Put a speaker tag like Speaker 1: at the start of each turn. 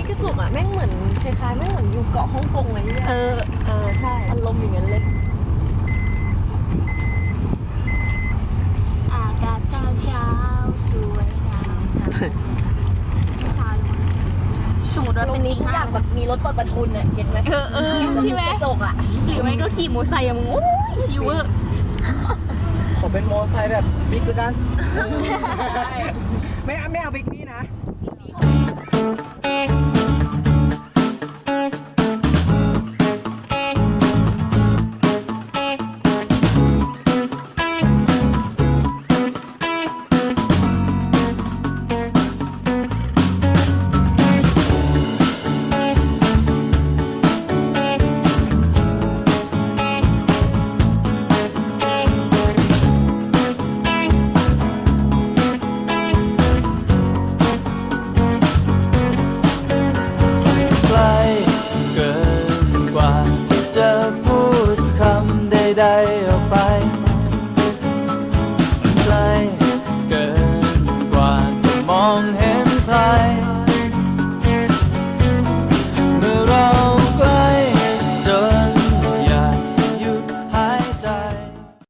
Speaker 1: กระจกอ่ะแม่งเหมือนคล้ายๆแม่งเหมือนอยู่เกาะฮ่องกงอะไรเงี้ย
Speaker 2: ใช่
Speaker 1: อารมณ์อย่างนั้นเลย
Speaker 2: อากาศเช้าสวยงามเช้าสมมติว่า
Speaker 1: ตร
Speaker 2: เป็น
Speaker 1: งนี้ทุกอย่างแบบมีรถเปิดประทุนเนี่ยเห็นไหม
Speaker 2: ใช่ไหม
Speaker 1: กระจกอ่ะ
Speaker 2: หรือไม่ก็ขี่มอเตอร์ไซค์อะมึงโอ้ยชิวเวอร์
Speaker 3: ขอเป็นมอไซค์แบบบิ๊กแล้วกันไม่เอาบิ๊กนี่นะ